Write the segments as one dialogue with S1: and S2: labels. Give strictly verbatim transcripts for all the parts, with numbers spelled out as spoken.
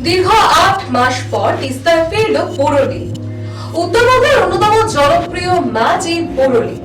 S1: দীর্ঘ আট মাস পর তিস্তায় ফিরল বোরলি। উত্তরবঙ্গের অন্যতম জনপ্রিয় মাছ এই বোরলি।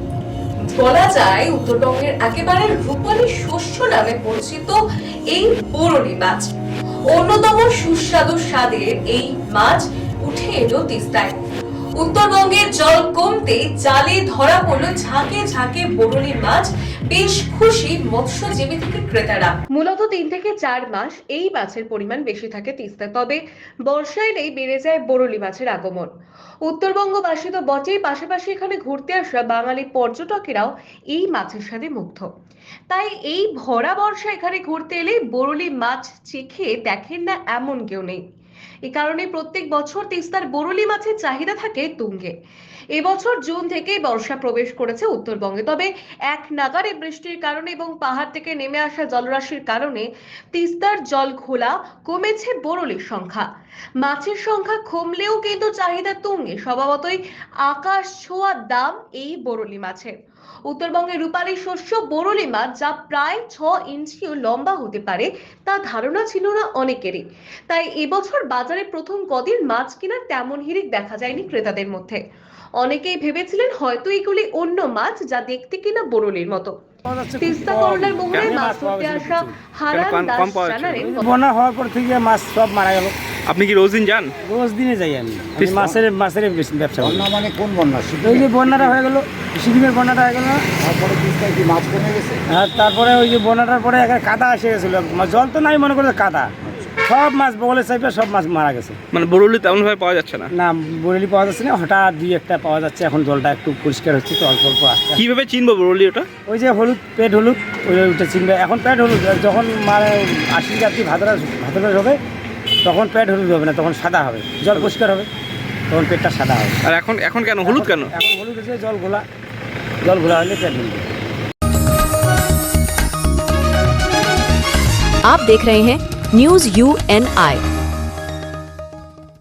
S1: বলা যায় উত্তরবঙ্গের একেবারে রূপালী শস্য নামে পরিচিত এই বোরলি মাছ। অন্যতম সুস্বাদু স্বাদের এই মাছ উঠে এলো তিস্তায়। উত্তরবঙ্গের জল কমতে জালে ধরা পড়ল ঝাঁকে ঝাঁকে বোরলি মাছ। বেশ খুশি মৎস্যজীবী থেকে ক্রেতারা। মূলত তিন থেকে চার মাস এই মাছের পরিমাণ বেশি থাকে তিস্তায়, তবে বর্ষা এলেই বেড়ে যায় বোরলি মাছের আগমন। উত্তরবঙ্গবাসী তো বটেই, পাশাপাশি এখানে ঘুরতে আসা বাঙালি পর্যটকেরাও এই মাছের সাথে মুগ্ধ। তাই এই ভরা বর্ষা এখানে ঘুরতে এলে বোরলি মাছ চেখে দেখেন না এমন কেউ নেই। এই কারণে প্রত্যেক বছর তিস্তার বোরলি মাছের চাহিদা থাকে তুঙ্গে। এবছর জুন থেকেই বর্ষা প্রবেশ করেছে উত্তরবঙ্গে, তবে এক নাগাড়ে বৃষ্টির কারণে এবং পাহাড় থেকে নেমে আসা জলরাশির কারণে তিস্তার জল ঘোলা কমেছে বোরলির সংখ্যা। মাছের সংখ্যা কমলেও কিন্তু চাহিদা তুঙ্গে। স্বভাবতই আকাশ ছোঁয়া দাম এই বোরলি মাছের। উত্তরবঙ্গের রূপালী শস্য বোরলি মাছ, যা প্রায় ছ ইঞ্চিও লম্বা হতে পারে, তা ধারণা ছিল না অনেকেরই। তাই এবছর বাজারে প্রথম কদিন মাছ কেনার তেমন হিড়িক দেখা যায়নি ক্রেতাদের মধ্যে। অনেকেই ভেবেছিলেন হয়তো এগুলি অন্য মাছ, যা দেখতে কিনা বোরলির মতো। তিস্তা করলার মোহনায় মাছ ধরতে আসা হারান দাস জানালেন,
S2: বন্যা হওয়ার পর থেকে মাছ সব মারা গেল।
S3: আপনি কি রোজ দিন যান?
S2: রোজ দিনে যাই আমি। আমি মাছের মাছের ব্যবসা করি।
S4: বন্যা মানে কোন বন্যা?
S2: ওই যে বন্যাটা হয়ে গেল, সিকিমের বন্যাটা হয়ে গেল না,
S4: তারপরে তিস্তায় কি মাছ কমে গেছে?
S2: আর তারপরে ওই যে বন্যাটার পরে একটা কাদা এসে গেছিলো, জল তো নাই মনে করে কাদা, সব মাছ বগলের সাইডে সব মাছ মারা গেছে।
S3: মানে বোরলি তেমন ভাবে পাওয়া যাচ্ছে না?
S2: না, বোরলি পাওয়া যাচ্ছে না, হঠাৎ দুই একটা পাওয়া যাচ্ছে। এখন জলটা একটু পরিষ্কার হচ্ছে তো, অল্প অল্প আসছে।
S3: কিভাবে চিনবো বোরলি ওটা?
S2: ওই যে হলুদ, পেট হলুদ, ওই ওইটা চিনবে। এখন পেট হলুদ, যখন মানে আশি যাত্রী ভাদরা ভাদরা হবে তখন পেট হলুদ হবে না, তখন সাদা হবে, জল পরিষ্কার হবে, তখন পেটটা সাদা হবে।
S3: আর এখন এখন কেন হলুদ কেন?
S2: এখন হলুদ হচ্ছে জল ঘোলা, জল ঘোলা হলে পেট হলুদ।
S5: आप देख रहे हैं न्यूज यू एन आई।